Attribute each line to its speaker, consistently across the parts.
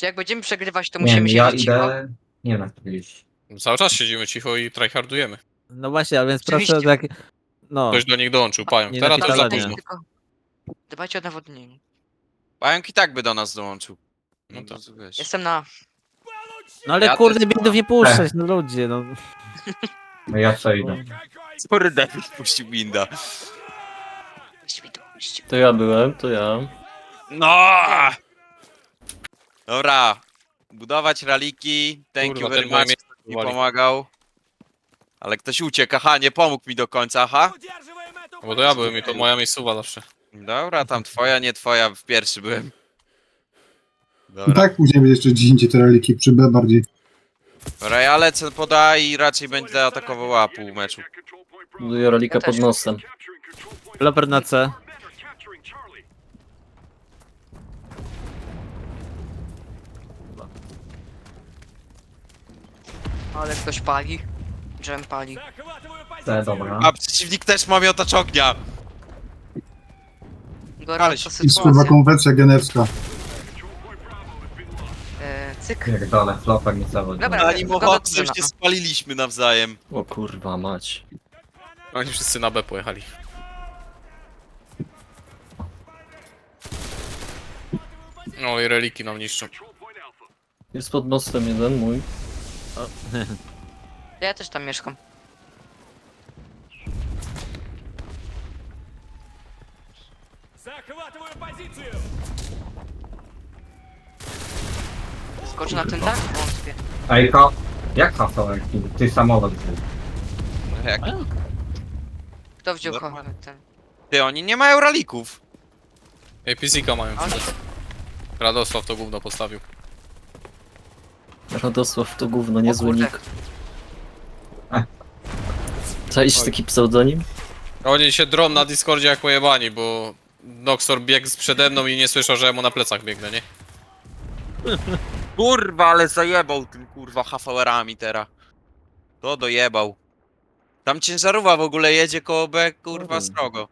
Speaker 1: jak będziemy przegrywać, to
Speaker 2: Nie wiem,
Speaker 1: musimy
Speaker 2: ja
Speaker 1: siedzieć cicho.
Speaker 2: idę... Nie wiem jak to iść.
Speaker 3: Cały czas siedzimy cicho i tryhardujemy.
Speaker 4: No właśnie, a więc
Speaker 1: Oczywiście.
Speaker 4: proszę tak... No,
Speaker 3: Ktoś do nich dołączył, pająk.
Speaker 4: Nie
Speaker 3: Teraz to już za
Speaker 4: napisane,
Speaker 3: późno.
Speaker 1: Tylko dbajcie o nawodnienie.
Speaker 5: Pająk i tak by do nas dołączył.
Speaker 3: No
Speaker 5: No
Speaker 3: tak.
Speaker 5: to wiesz.
Speaker 1: Jestem na...
Speaker 4: no ale
Speaker 5: Ja
Speaker 4: kurde,
Speaker 5: też-
Speaker 4: bindów nie puszczać, no ludzie, no.
Speaker 2: No ja co idę.
Speaker 5: Sorry, David puścił binda.
Speaker 1: Świadomość.
Speaker 6: To ja byłem, to ja.
Speaker 5: No! Dobra. Budować raliki. Thank
Speaker 3: Kurwa,
Speaker 5: you very
Speaker 3: ten moje
Speaker 5: much.
Speaker 3: miejsce
Speaker 5: Mi
Speaker 3: wali.
Speaker 5: pomagał. Ale ktoś uciekł. Aha, nie pomógł mi do końca, aha.
Speaker 3: No bo to ja byłem i to moja miejscowa zawsze.
Speaker 5: Dobra, tam twoja, nie twoja. W pierwszy byłem.
Speaker 7: I
Speaker 5: Dobra.
Speaker 7: tak później będzie jeszcze gdzie indziej te reliki przy B bardziej.
Speaker 5: Dobra, ja lecę poda i raczej będę atakował A pół meczu.
Speaker 6: Buduję rolika
Speaker 1: Ja też.
Speaker 6: pod nosem.
Speaker 4: Loper na C.
Speaker 1: Ale ktoś pali. Dżem pali.
Speaker 2: Dobra.
Speaker 5: A przeciwnik też ma miotacz ognia.
Speaker 1: Gorąca
Speaker 7: I kurwa
Speaker 1: sytuacja.
Speaker 7: konwencja genewska.
Speaker 1: Cyk.
Speaker 2: Pierdolę, floper nie zawodzi.
Speaker 1: Dobra,
Speaker 5: Ani
Speaker 1: zgoda
Speaker 5: mochocy,
Speaker 1: Dżema.
Speaker 5: już się spaliliśmy nawzajem.
Speaker 6: O kurwa mać.
Speaker 3: Oni wszyscy na B pojechali. No i reliki nam niszczą.
Speaker 6: Jest pod mostem jeden mój.
Speaker 1: Ja też tam mieszkam. Skocz na ten dach? Wątpię.
Speaker 2: Ej, jak hasło? Ty samolot był.
Speaker 5: Jak?
Speaker 1: Kto wziął
Speaker 5: Normalnie.
Speaker 1: ten?
Speaker 5: Ty, oni nie mają ralików.
Speaker 3: APC-ka mają
Speaker 1: Ale...
Speaker 3: przecież. Radosław to gówno postawił.
Speaker 6: Radosław to gówno, niezły
Speaker 1: kurde.
Speaker 6: nick. Czaisz taki pseudonim?
Speaker 3: Oni się drą na Discordzie jak pojebani, bo Noxor biegł przede mną i nie słyszał, że ja mu na plecach biegnę, nie?
Speaker 5: Kurwa, ale zajebał tym kurwa HVR-ami teraz. To dojebał. Tam ciężarówka w ogóle jedzie koło B, kurwa, srogo.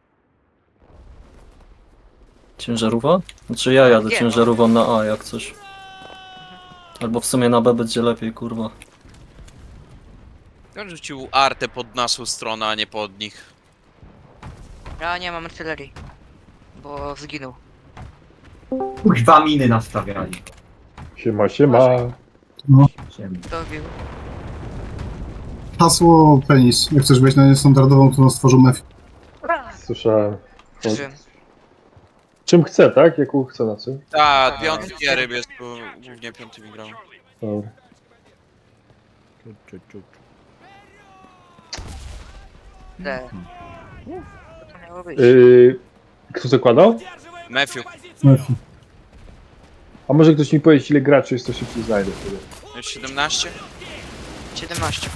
Speaker 6: Ciężarówka? Znaczy ja jadę
Speaker 1: Nie, no.
Speaker 6: ciężarówką na A jak coś. Albo w sumie na B będzie lepiej, kurwa.
Speaker 5: On rzucił artę pod naszą stronę, a nie pod nich.
Speaker 1: Ja nie mam artylerii. Bo zginął.
Speaker 2: Kurwa miny nastawiali.
Speaker 8: Siema, siema.
Speaker 2: Ziemi.
Speaker 1: Kto wił?
Speaker 7: Hasło penis. Jak chcesz wejść na niestandardową, to nas stworzą mef.
Speaker 8: Słyszałem.
Speaker 1: Przeżyłem.
Speaker 8: Czym chce, tak? Jaką chce na czym?
Speaker 5: Tak, piąty giery jest, bo głównie piątymi grał.
Speaker 8: Dobra.
Speaker 1: D. Co to miało być?
Speaker 8: Kto zakładał?
Speaker 5: Matthew,
Speaker 7: Mefi.
Speaker 8: A może ktoś mi powiedzieć, ile graczy jest, to szybciej znajdę wtedy.
Speaker 5: już 17?
Speaker 1: 17.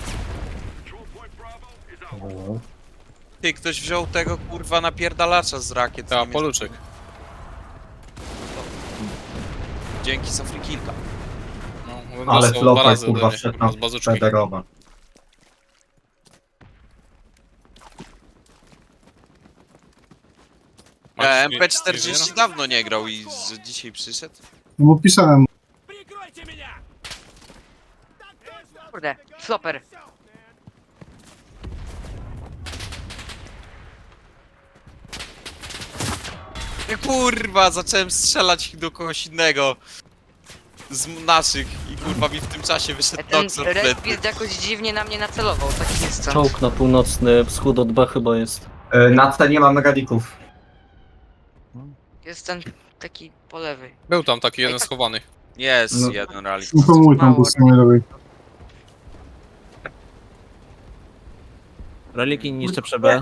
Speaker 8: No.
Speaker 5: Ty, ktoś wziął tego kurwa napierdalacza z rakiet.
Speaker 3: Ta, poluczek.
Speaker 5: Dzięki za free killka.
Speaker 3: No,
Speaker 2: Ale
Speaker 3: dostał dwa
Speaker 2: floper
Speaker 3: razy
Speaker 2: kurwa
Speaker 3: ode mnie,
Speaker 2: wszedł na
Speaker 3: z bazuczki.
Speaker 2: Federowa.
Speaker 5: MP40 dawno nie grał i że dzisiaj przyszedł.
Speaker 7: No bo pisałem.
Speaker 1: Kurde, floper.
Speaker 5: Kurwa, zacząłem strzelać do kogoś innego. Z naszych i kurwa mi w tym czasie wyszedł
Speaker 1: Ten
Speaker 5: Noxor
Speaker 1: Red
Speaker 5: wtedy.
Speaker 1: Beard jakoś dziwnie na mnie nacelował, taki jest co.
Speaker 6: Czołg na północny wschód od B chyba jest.
Speaker 2: Na C nie mamy radików.
Speaker 1: Jest ten taki po lewej.
Speaker 3: Był tam taki jeden
Speaker 1: tak.
Speaker 3: schowany.
Speaker 5: Jest
Speaker 2: No.
Speaker 5: jeden rally.
Speaker 7: No to mój tam po stronie lewej.
Speaker 4: Reliki niszczę przy B.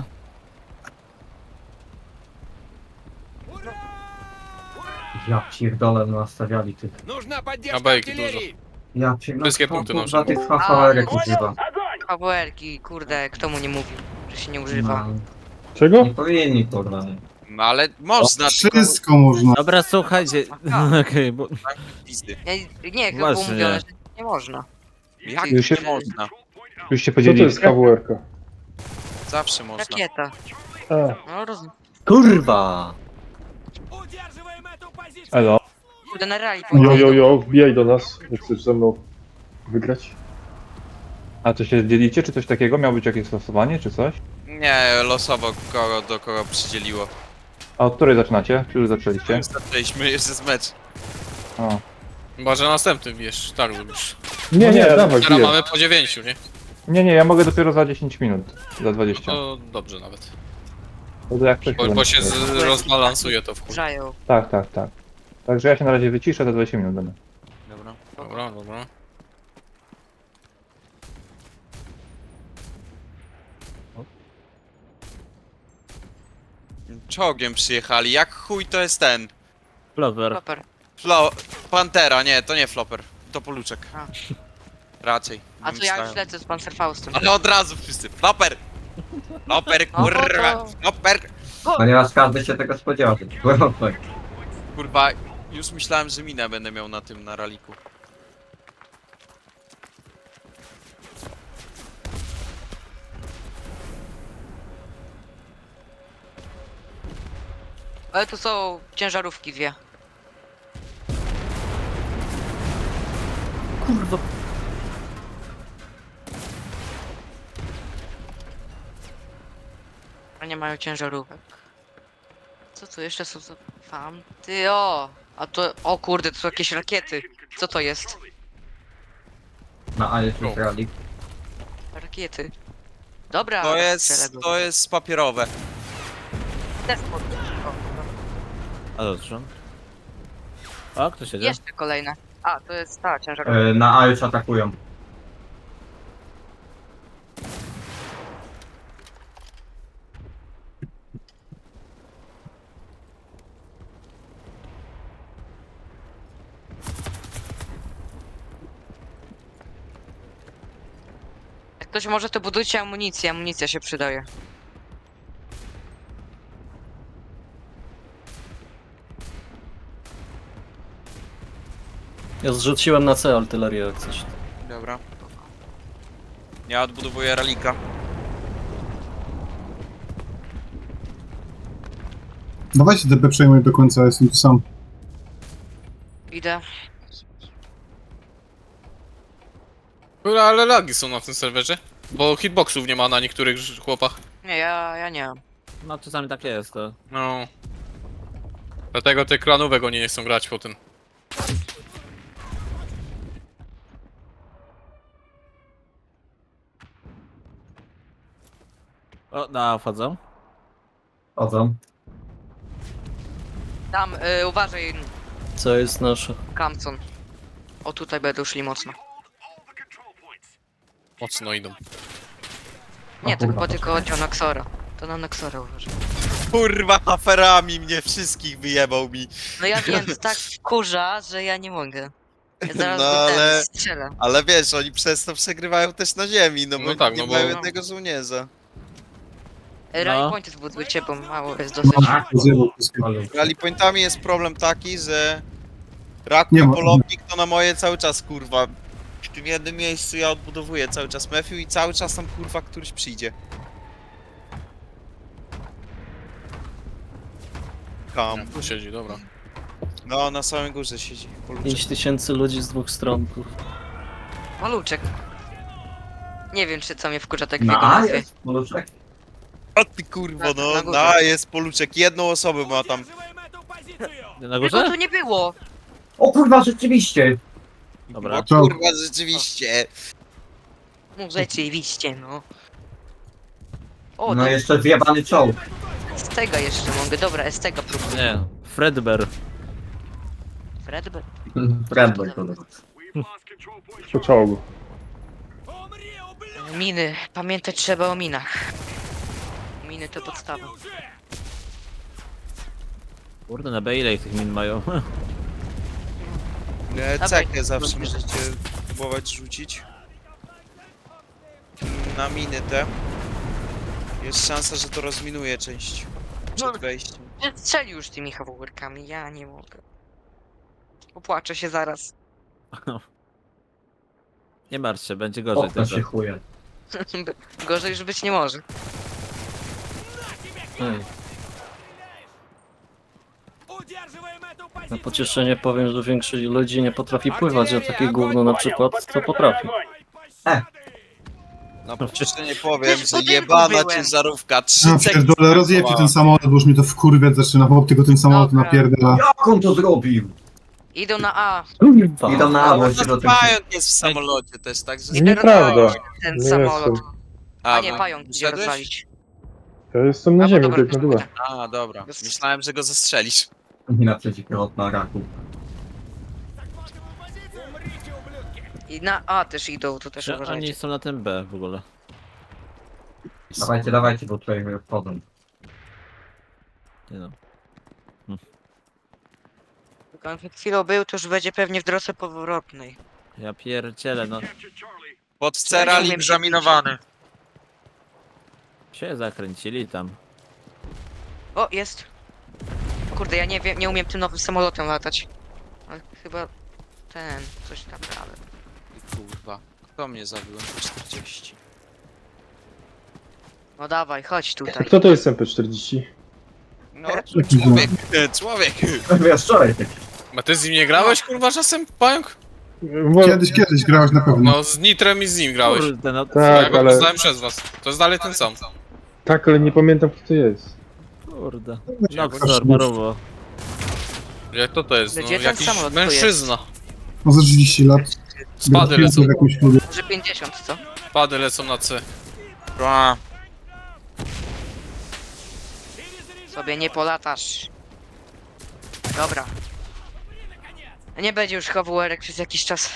Speaker 2: Ja pierdolę, no nastawiali tych.
Speaker 3: A bejki dużo.
Speaker 2: Ja pierdolę.
Speaker 3: Wszystkie punkty
Speaker 2: Za
Speaker 3: noszę.
Speaker 2: tych HVR-ek używa.
Speaker 1: AWR-ki, kurde, kto mu nie mówił, że się nie używa.
Speaker 2: No,
Speaker 8: Czego?
Speaker 2: nie powinni kurwa.
Speaker 5: No ale można, tylko
Speaker 7: Wszystko można.
Speaker 4: Dobra, słuchajcie. Okej, bo...
Speaker 5: pizdy.
Speaker 1: Nie, chyba było
Speaker 4: Właśnie.
Speaker 1: mówione, że nie można.
Speaker 5: Jak
Speaker 8: Już
Speaker 5: nie
Speaker 8: się-
Speaker 5: można?
Speaker 8: Już się podzielili. Co to jest KWR-ka?
Speaker 5: Zawsze można.
Speaker 1: Rakieta.
Speaker 8: A,
Speaker 1: No rozumiem.
Speaker 6: Kurwa!
Speaker 8: elo.
Speaker 1: Kurde, na rally
Speaker 8: Jo, wbijaj do nas, jak chcesz ze mną wygrać.
Speaker 9: A to się dzielicie, czy coś takiego? Miało być jakieś losowanie, czy coś?
Speaker 5: Nie, losowo kogo do kogo przydzieliło.
Speaker 9: A od której zaczynacie? Czy już zaczęliście?
Speaker 5: Zaczęliśmy jeszcze z mecz.
Speaker 9: O.
Speaker 3: Chyba, że następny wiesz, tak zrobisz.
Speaker 8: Nie, dawaj,
Speaker 3: Teraz
Speaker 8: wbijaj.
Speaker 3: mamy po 9, nie?
Speaker 9: Nie, ja mogę dopiero za 10 minut. Za 20.
Speaker 3: To dobrze nawet.
Speaker 9: To jak coś
Speaker 3: Bo się rozbalansuje to w chuj.
Speaker 1: Zajął.
Speaker 9: Tak. Także ja się na razie wyciszę, za 20 minut będę.
Speaker 5: Dobra.
Speaker 3: Dobra.
Speaker 5: Czołgiem przyjechali, jak chuj to jest ten?
Speaker 4: Flower.
Speaker 1: Super.
Speaker 5: Pantera, nie, to nie Flopper. To Poluczek.
Speaker 1: A.
Speaker 5: Raczej.
Speaker 1: A to ja już lecę z Panzerfaustem.
Speaker 5: Ale od razu wszyscy. Flopper! Flopper,
Speaker 1: No,
Speaker 5: kurwa!
Speaker 1: to-
Speaker 5: Flopper!
Speaker 2: Ponieważ każdy się tego spodziewał.
Speaker 5: Kurwa, już myślałem, że minę będę miał na tym, na raliku.
Speaker 1: Ale to są ciężarówki dwie.
Speaker 6: Kurwa.
Speaker 1: A nie mają ciężarówek. Co tu jeszcze są za fanty? O! A to... O kurde, to są jakieś rakiety. Co to jest?
Speaker 2: Na A jest już rally.
Speaker 1: Rakiety. Dobra.
Speaker 5: To
Speaker 1: strzelę
Speaker 5: jest,
Speaker 1: go.
Speaker 5: to jest papierowe.
Speaker 1: Despot.
Speaker 4: A dobrze. O, kto siedzie?
Speaker 1: Jeszcze kolejne. A, to jest ta ciężarówka.
Speaker 2: Na A już atakują.
Speaker 1: Jak ktoś może, to budujcie amunicję. Amunicja się przydaje.
Speaker 6: Ja zrzuciłem na C artylerię jak coś.
Speaker 5: Dobra. Ja odbudowuję ralika.
Speaker 7: Dawajcie DP przejmuj do końca, jestem tu sam.
Speaker 1: Idę.
Speaker 3: Kurwa, ale lagi są na tym serwerze. Bo hitboxów nie ma na niektórych chłopach.
Speaker 1: Nie, ja nie mam.
Speaker 4: No czasami tak jest, to.
Speaker 3: No. Dlatego te klanówek oni nie chcą grać po tym.
Speaker 4: O, na wchodzą.
Speaker 2: Chodzą.
Speaker 1: Tam, uważaj,
Speaker 6: Co jest nasze?
Speaker 1: Kamcon. O, tutaj będą szli mocno.
Speaker 3: Mocno idą.
Speaker 1: Nie, to
Speaker 2: kurwa,
Speaker 1: chyba tylko chodzi o Noxora. To na Noxora uważaj.
Speaker 5: Kurwa, aferami mnie wszystkich wyjebał mi.
Speaker 1: No ja wiem, to tak kurza, że ja nie mogę. Ja zaraz
Speaker 5: No,
Speaker 1: go
Speaker 5: ale-
Speaker 1: strzelę.
Speaker 5: Ale wiesz, oni przez to przegrywają też na ziemi, no bo
Speaker 3: No tak,
Speaker 5: nie
Speaker 3: no bo-
Speaker 5: mają jednego żołnierza.
Speaker 1: Rally pointy zbudujcie, bo mało jest dosyć.
Speaker 2: A,
Speaker 7: Zjebał wszystkie.
Speaker 5: Rally pointami jest problem taki, że Raku
Speaker 7: Nie
Speaker 5: i
Speaker 7: ma-
Speaker 5: polownik to na moje cały czas kurwa. W tym jednym miejscu ja odbudowuję cały czas Matthew i cały czas tam kurwa któryś przyjdzie. Kam.
Speaker 3: Tu siedzi, dobra.
Speaker 5: No, na samej górze siedzi. Poluczek.
Speaker 6: 5000 ludzi z dwóch stron, kurwa.
Speaker 1: Maluczek. Nie wiem, czy co mnie wkurza tak w
Speaker 2: na
Speaker 1: jego
Speaker 2: A
Speaker 1: nazwie.
Speaker 2: jest Poluczek.
Speaker 5: O ty kurwo,
Speaker 1: Na
Speaker 5: no,
Speaker 1: górze.
Speaker 5: jest Poluczek. Jedną osobę ma tam.
Speaker 4: Na
Speaker 1: Tego
Speaker 4: górze?
Speaker 1: tu nie było!
Speaker 2: O kurwa, rzeczywiście!
Speaker 4: Dobra.
Speaker 5: O kurwa, rzeczywiście.
Speaker 1: No rzeczywiście, no. O,
Speaker 2: No
Speaker 1: to
Speaker 2: jeszcze zjebany czołg.
Speaker 1: z tego jeszcze mogę. Dobra, z tego próbuję.
Speaker 4: Nie. Fredbear.
Speaker 1: Fredbear.
Speaker 2: Fredbear kurwa.
Speaker 8: Po czołgu.
Speaker 1: Miny. Pamiętać trzeba o minach. Miny to podstawa.
Speaker 4: Kurde, na B ile ich tych min mają?
Speaker 5: Cekę zawsze możecie próbować rzucić. Na miny te. Jest szansa, że to rozminuje część przed wejściem.
Speaker 1: Strzeli już tymi hawołkami, ja nie mogę. Popłaczę się zaraz.
Speaker 4: Nie martw się, będzie gorzej
Speaker 2: Okno się
Speaker 4: tylko.
Speaker 2: chuje.
Speaker 1: Gorzej już być nie może.
Speaker 6: Ej. Na pocieszenie powiem, że większość ludzi nie potrafi pływać, a takie gówno na przykład to potrafi.
Speaker 5: No przecież nie powiem,
Speaker 1: Też w
Speaker 5: że
Speaker 1: budynku
Speaker 5: jebana
Speaker 1: byłem.
Speaker 5: ciężarówka 3
Speaker 7: No pierdolę, rozjebcie ten samolot, bo już mnie to wkurwiać zaczyna, chłop tylko ten samolot
Speaker 1: Dobra.
Speaker 7: napierdala.
Speaker 2: Jak on to zrobił?
Speaker 1: Idą na A.
Speaker 2: Idą na
Speaker 5: Ale
Speaker 2: awo,
Speaker 5: u
Speaker 2: się do
Speaker 5: nas
Speaker 2: tego.
Speaker 5: pająk jest w samolocie też, także...
Speaker 8: Nieprawda.
Speaker 1: Ten
Speaker 8: Nie
Speaker 1: samolot.
Speaker 8: jestem.
Speaker 1: A nie,
Speaker 5: no,
Speaker 1: pająk idzie
Speaker 5: wyszedłeś?
Speaker 1: rozwalić.
Speaker 8: Ja jestem na
Speaker 1: A,
Speaker 8: ziemi,
Speaker 1: dobra,
Speaker 8: tak na dole.
Speaker 5: A, dobra. Myślałem, że go zastrzelisz.
Speaker 2: Nie na przeciwpilotna raku.
Speaker 1: I na A też idą, to też
Speaker 4: Czy oni
Speaker 1: uważajcie.
Speaker 4: są na tym B w ogóle?
Speaker 2: Dawajcie, dawajcie, bo tutaj wchodzą.
Speaker 4: Nie no.
Speaker 1: Jak on przed chwilą był, to już będzie pewnie w drodze powrotnej.
Speaker 4: Ja pierdzielę, no.
Speaker 5: Pod ceral
Speaker 1: umiem
Speaker 5: egzaminowany.
Speaker 4: Się zakręcili tam.
Speaker 1: O, jest. Kurde, ja nie wiem, nie umiem tym nowym samolotem latać. Ale chyba ten, coś tam dalej.
Speaker 5: Kurwa, kto mnie zabił? 40.
Speaker 1: No dawaj, chodź tutaj.
Speaker 8: Kto to jest MP40?
Speaker 5: No,
Speaker 7: Jakiś
Speaker 5: człowiek, człowiek.
Speaker 2: Wiesz, wczoraj tak.
Speaker 3: A ty z nim nie grałeś, kurwa, czasem, pająk?
Speaker 7: Kiedyś grałeś na pewno.
Speaker 3: No, z Nitrem i z nim grałeś.
Speaker 4: Kurde, no.
Speaker 3: Ja
Speaker 8: Tak,
Speaker 3: go
Speaker 8: ale,
Speaker 3: poznałem przez was. To jest dalej ten sam.
Speaker 8: tak, ale nie pamiętam kto to jest.
Speaker 4: Kurde. Noxor, parowo.
Speaker 3: Jak to jest? No,
Speaker 1: Gdzie ten
Speaker 3: jakiś
Speaker 1: samolot tu
Speaker 3: mężczyzna.
Speaker 7: No za 30 lat.
Speaker 3: Spady lecą.
Speaker 7: W jakimś klubie.
Speaker 1: Że 50, co?
Speaker 3: Spady lecą na C.
Speaker 5: A,
Speaker 1: Sobie nie polatasz. Dobra. Nie będzie już HWR przez jakiś czas.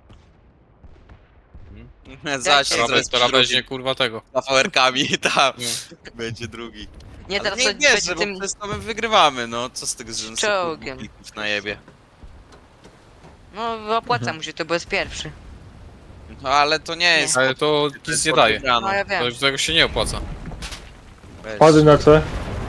Speaker 5: zaś się
Speaker 3: Teraz
Speaker 5: zrobi
Speaker 3: weźmie, kurwa, tego.
Speaker 5: z fawerkami, tam.
Speaker 3: Nie.
Speaker 5: Będzie drugi.
Speaker 1: Nie,
Speaker 5: Ale
Speaker 1: teraz
Speaker 5: nie
Speaker 1: to
Speaker 5: wierzę,
Speaker 1: będzie
Speaker 5: bo
Speaker 1: tym...
Speaker 5: przez to my wygrywamy, no. Co z tego, że
Speaker 1: Czołgiem.
Speaker 5: klików na jebie.
Speaker 1: No opłaca mu się to, bo jest pierwszy.
Speaker 5: No ale to nie jest...
Speaker 3: Ale to
Speaker 5: to jest
Speaker 3: nic nie daje.
Speaker 5: podwygrana.
Speaker 1: No ja wiem.
Speaker 3: To tego się nie opłaca.
Speaker 5: Weź.
Speaker 8: Pady na C.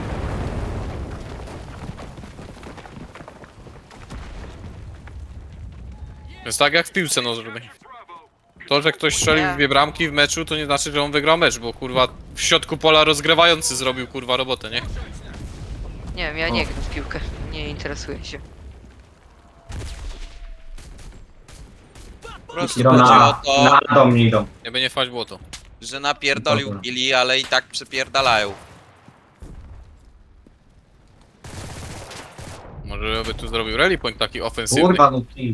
Speaker 3: To jest tak jak w piłce nożnej. To, że ktoś strzelił
Speaker 1: Nie.
Speaker 3: 2 bramki w meczu, to nie znaczy, że on wygrał mecz, bo kurwa w środku pola rozgrywający zrobił kurwa robotę, nie?
Speaker 1: Nie wiem, ja nie gram w piłkę. Nie interesuję się.
Speaker 5: Po prostu
Speaker 2: Idą
Speaker 5: chodzi o
Speaker 2: na,
Speaker 5: to,
Speaker 2: na dom nie idą.
Speaker 3: Nie będzie fać błoto.
Speaker 5: że napierdolił
Speaker 2: Dobra.
Speaker 5: Billy, ale i tak przepierdalają.
Speaker 3: Może by tu zrobił rally point taki ofensywny.
Speaker 2: Kurwa, no ty.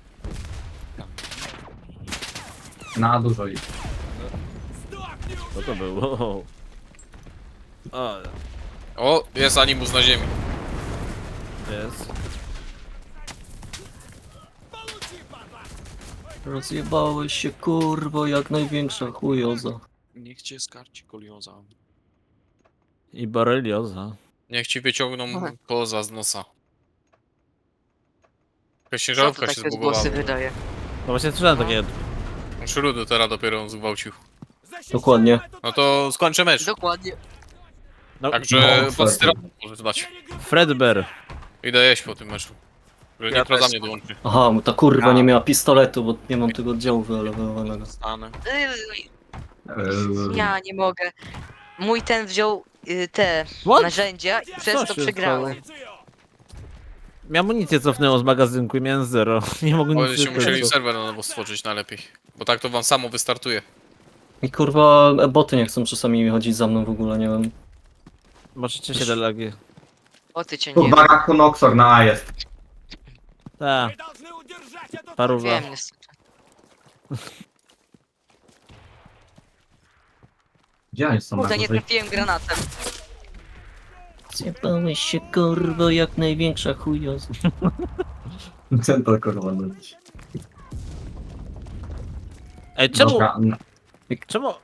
Speaker 2: Na dużo idzie.
Speaker 4: Co to było? O,
Speaker 3: O, jest animus na ziemi.
Speaker 4: jest.
Speaker 6: Rozjebałeś się kurwo jak największa chujoza.
Speaker 5: Niech cię skarci kolioza.
Speaker 4: I borelioza.
Speaker 3: Niech ci wyciągną
Speaker 1: Aha.
Speaker 3: koza z nosa. Jakaś
Speaker 1: Co
Speaker 3: ciężarówka
Speaker 1: to
Speaker 3: się
Speaker 1: takie
Speaker 3: zbugowała.
Speaker 1: głosy wydaje?
Speaker 4: No właśnie słyszałem takie.
Speaker 3: Szrudu teraz dopiero zgwałcił.
Speaker 6: Dokładnie.
Speaker 3: No to skończę mecz.
Speaker 1: Dokładnie.
Speaker 4: No,
Speaker 3: Także
Speaker 2: No,
Speaker 3: pod
Speaker 2: tak.
Speaker 3: styrą może dać.
Speaker 4: Fredbear.
Speaker 3: Idę jeść po tym meczu. Że
Speaker 5: Ja
Speaker 3: Nitro za
Speaker 5: też.
Speaker 3: mnie dołączy.
Speaker 6: Aha, ta kurwa
Speaker 5: A.
Speaker 6: nie miała pistoletu, bo nie mam tego oddziału wyelewowanego.
Speaker 5: Stanę.
Speaker 1: Ja nie mogę. Mój ten wziął te
Speaker 4: What?
Speaker 1: narzędzia i przez
Speaker 4: Co
Speaker 1: to
Speaker 4: się
Speaker 1: przegrałem.
Speaker 4: Mi amunicję cofnęło z magazynku i miałem 0. Nie mogłem
Speaker 3: Oni
Speaker 4: nic
Speaker 3: się musieli
Speaker 4: zrobić.
Speaker 3: serwer na nowo stworzyć najlepiej. Bo tak to wam samo wystartuje.
Speaker 6: I kurwa boty nie chcą czasami chodzić za mną w ogóle, nie wiem.
Speaker 4: Możecie się delagi.
Speaker 1: O ty cię
Speaker 2: Tu
Speaker 1: nie
Speaker 2: w baraku Noxor na A jest.
Speaker 4: Tak. Paruwa.
Speaker 1: wiem niestety.
Speaker 2: Gdzie oni są na
Speaker 1: Kurde, nie
Speaker 2: górze?
Speaker 1: trafiłem granatem.
Speaker 6: Zjebałeś się kurwo jak największa chujoza.
Speaker 2: Ten to kurwa leci.
Speaker 4: Ej, czemu?
Speaker 2: Dobra,
Speaker 4: Czemu?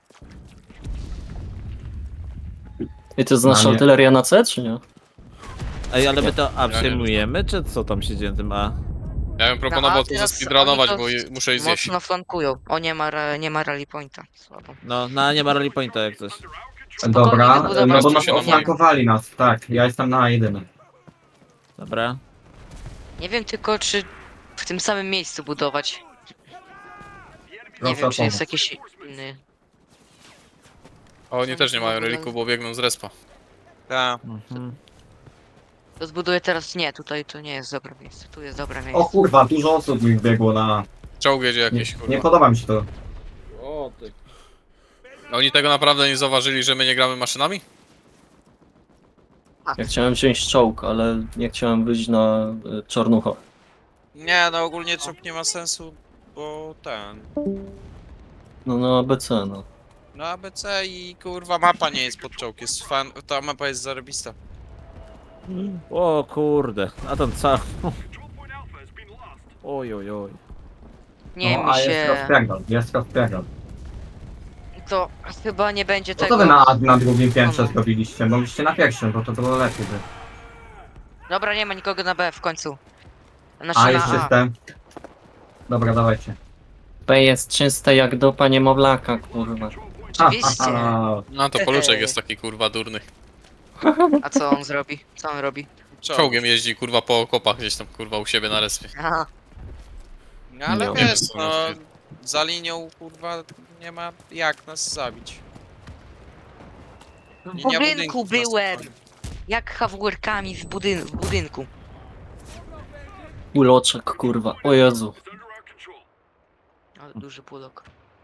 Speaker 6: I to jest
Speaker 2: A,
Speaker 6: nasza
Speaker 2: nie.
Speaker 6: artyleria na C, czy nie?
Speaker 4: Ej, ale my to A
Speaker 3: Ja nie
Speaker 4: przejmujemy, czy co tam się dzieje na tym A?
Speaker 3: Ja bym proponował to
Speaker 1: teraz
Speaker 3: zespeedrunować,
Speaker 1: oni to
Speaker 3: bo muszę ich zjeść.
Speaker 1: Mocno flankują. O, nie ma rally pointa. Słabo.
Speaker 4: No, na nie ma rally pointa jak coś.
Speaker 2: dobra,
Speaker 1: wybudować
Speaker 2: no bo
Speaker 3: się
Speaker 2: nas
Speaker 3: na
Speaker 2: oflankowali nas, tak. Ja jestem na A1.
Speaker 4: Dobra.
Speaker 1: Nie wiem tylko, czy w tym samym miejscu budować. Nie
Speaker 2: Proszę
Speaker 1: wiem,
Speaker 2: o
Speaker 1: czy jest
Speaker 2: pomoc.
Speaker 1: jakiś inny.
Speaker 3: A oni też nie mają reliku, bo biegną z respa.
Speaker 5: Tak.
Speaker 4: Mhm.
Speaker 1: To zbuduję teraz, nie, tutaj to nie jest dobre miejsce, tu jest dobre
Speaker 2: O
Speaker 1: miejsce.
Speaker 2: kurwa, dużo osób mi wbiegło na...
Speaker 3: Czołg jedzie
Speaker 2: Nie,
Speaker 3: jakieś,
Speaker 2: nie
Speaker 3: kurwa.
Speaker 2: podoba mi się to.
Speaker 4: O, ty.
Speaker 3: Oni tego naprawdę nie zauważyli, że my nie gramy maszynami?
Speaker 6: Ja chciałem wziąć czołg, ale nie chciałem wyjść na czarnucha.
Speaker 5: Nie, no ogólnie czołg nie ma sensu, bo ten...
Speaker 6: No na ABC, no.
Speaker 5: No ABC i kurwa mapa nie jest pod czołg, jest fan... ta mapa jest zarobista.
Speaker 4: O kurde, a tam co? Oj, oj, oj.
Speaker 1: Nie
Speaker 2: No,
Speaker 1: mi
Speaker 2: a jest
Speaker 1: się...
Speaker 2: rozpierdol, jest rozpierdol.
Speaker 1: To chyba nie będzie
Speaker 2: No to
Speaker 1: tego...
Speaker 2: wy na drugim piętrze zrobiliście, mogliście na pierwszym, bo to było lepiej by.
Speaker 1: Dobra, nie ma nikogo na B w końcu. Znaczy
Speaker 2: A,
Speaker 1: na
Speaker 2: jest
Speaker 1: A.
Speaker 2: system. Dobra, dawajcie.
Speaker 6: B jest czyste jak dupa niemowlaka, kurwa.
Speaker 1: Oczywiście.
Speaker 3: No to Poluczek jest taki kurwa durny.
Speaker 1: A co on zrobi? Co on robi?
Speaker 3: Czołgiem jeździ kurwa po okopach gdzieś tam kurwa u siebie na respie.
Speaker 1: Aha.
Speaker 5: No ale
Speaker 6: Nie
Speaker 5: wiesz,
Speaker 3: wiem,
Speaker 5: no...
Speaker 3: co
Speaker 5: Za linią kurwa nie ma jak nas zabić.
Speaker 1: W
Speaker 5: Linia
Speaker 1: budynku
Speaker 5: budynków nas
Speaker 1: byłem!
Speaker 5: obchodzi.
Speaker 1: Jak hawłerkami w budynku.
Speaker 6: Uloczek, kurwa. O Jezu.
Speaker 1: Ale duży pulok.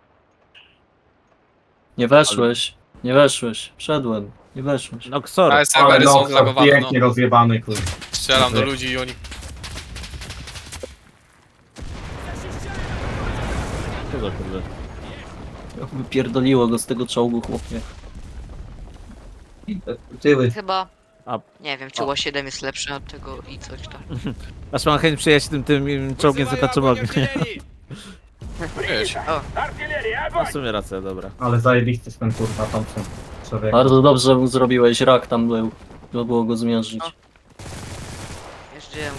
Speaker 6: Nie weszłeś. Nie weszłeś. Wszedłem. Nie weszłeś.
Speaker 4: Noxor.
Speaker 3: Ale
Speaker 2: Ale
Speaker 3: serwery są
Speaker 2: no,
Speaker 3: zlagowane, no.
Speaker 2: pięknie rozjebany, kurwa.
Speaker 3: Strzelam do ludzi i oni...
Speaker 4: Co za kurde.
Speaker 6: Wypierdoliło go z tego czołgu, chłopie.
Speaker 2: Tyły.
Speaker 1: Chyba...
Speaker 4: A-
Speaker 1: Nie wiem, czy Ło-7 jest lepszy od tego i coś tam.
Speaker 4: Aż mam chęć przyjechać tym czołgiem z etaczem ognia.
Speaker 3: Wiesz,
Speaker 4: No w sumie racja, dobra.
Speaker 2: Ale zajebisty jest ten kurwa Thompson. Człowiek.
Speaker 6: Bardzo dobrze mu zrobiłeś. Rak tam był. Trzeba było go zmierzyć.
Speaker 1: No. Jeździłem.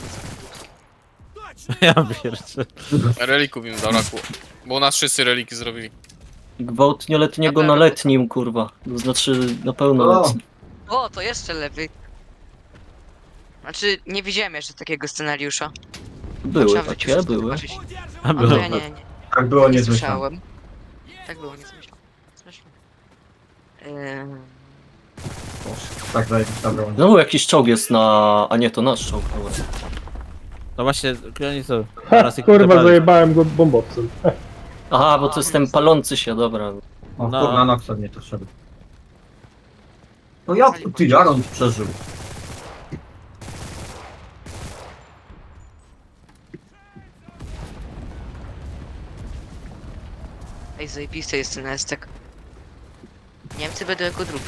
Speaker 4: Ja pierwszy.
Speaker 3: relików im zabrakło. Bo u nas wszyscy reliki zrobili.
Speaker 6: Gwałt nieletniego na letnim, kurwa. To znaczy na pełnoletnim.
Speaker 1: O, to jeszcze lepiej. Znaczy, nie widziałem jeszcze takiego scenariusza.
Speaker 6: Były
Speaker 1: Trzeba w życiu
Speaker 6: takie,
Speaker 1: wszystko
Speaker 6: były.
Speaker 1: zobaczyć.
Speaker 4: A
Speaker 1: A
Speaker 4: było.
Speaker 1: to ja nie
Speaker 2: Tak było
Speaker 1: nie
Speaker 2: niezmyślane.
Speaker 1: słyszałem. Tak było, nie słyszałem.
Speaker 2: Tak zajebista broń.
Speaker 6: Znowu jakiś czołg jest na... A nie, to nasz czołg. Dobra.
Speaker 4: No właśnie, oni co?
Speaker 8: Ha,
Speaker 4: Teraz ich
Speaker 8: kurwa,
Speaker 4: dopali.
Speaker 8: zajebałem go bombowcem.
Speaker 6: Aha, bo to jest ten palący się, dobra.
Speaker 2: O
Speaker 4: No.
Speaker 2: kurwa, Noxor nie to szedł. No jak ty Jaron przeżył?
Speaker 1: Ej, zajebisty jest ten estek. Niemcy będą jako drugi.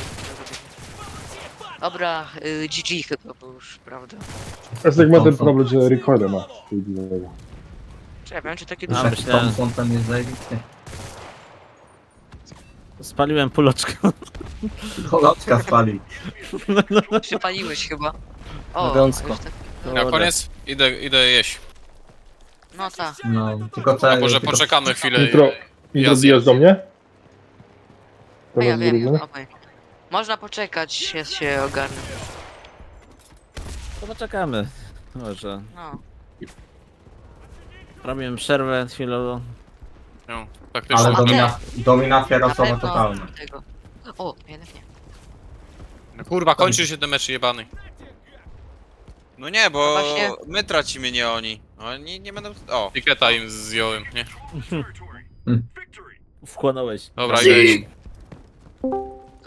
Speaker 1: Dobra, GG chyba, bo już, prawda?
Speaker 8: Estek ma ten problem, że recorder ma.
Speaker 1: Czy ja wiem, czy takie
Speaker 4: A,
Speaker 1: duże...
Speaker 4: myślałem-
Speaker 2: Thompson ten jest zajebisty.
Speaker 4: Spaliłem puloczkę.
Speaker 2: Koloczka spali.
Speaker 1: Przypaliłeś chyba. O,
Speaker 6: Elegancko.
Speaker 1: już tak.
Speaker 3: Na koniec idę jeść.
Speaker 1: No tak.
Speaker 2: No, tylko co...
Speaker 3: A może
Speaker 2: tylko-
Speaker 3: poczekamy chwilę
Speaker 8: Jutro,
Speaker 3: i
Speaker 8: jutro bijasz do mnie? To
Speaker 1: A ja
Speaker 8: będzie
Speaker 1: wiem,
Speaker 8: zrobione?
Speaker 1: obaj. Można poczekać, ja się ogarnę.
Speaker 4: To poczekamy. Może.
Speaker 1: No.
Speaker 4: Robiłem przerwę chwilową.
Speaker 3: No, taktycznie.
Speaker 2: Ale
Speaker 1: A
Speaker 2: dominacja
Speaker 1: Na
Speaker 2: rasowa
Speaker 1: pewno
Speaker 2: totalna.
Speaker 1: tego. O, jednak nie.
Speaker 3: No kurwa, kończy się ten mecz jebany.
Speaker 5: No nie, bo
Speaker 1: No właśnie.
Speaker 5: my tracimy, nie oni. Oni nie będą... O!
Speaker 3: Tiketa im zjąłem, nie?
Speaker 4: Wchłonąłeś.
Speaker 3: Dobra, idę jeść.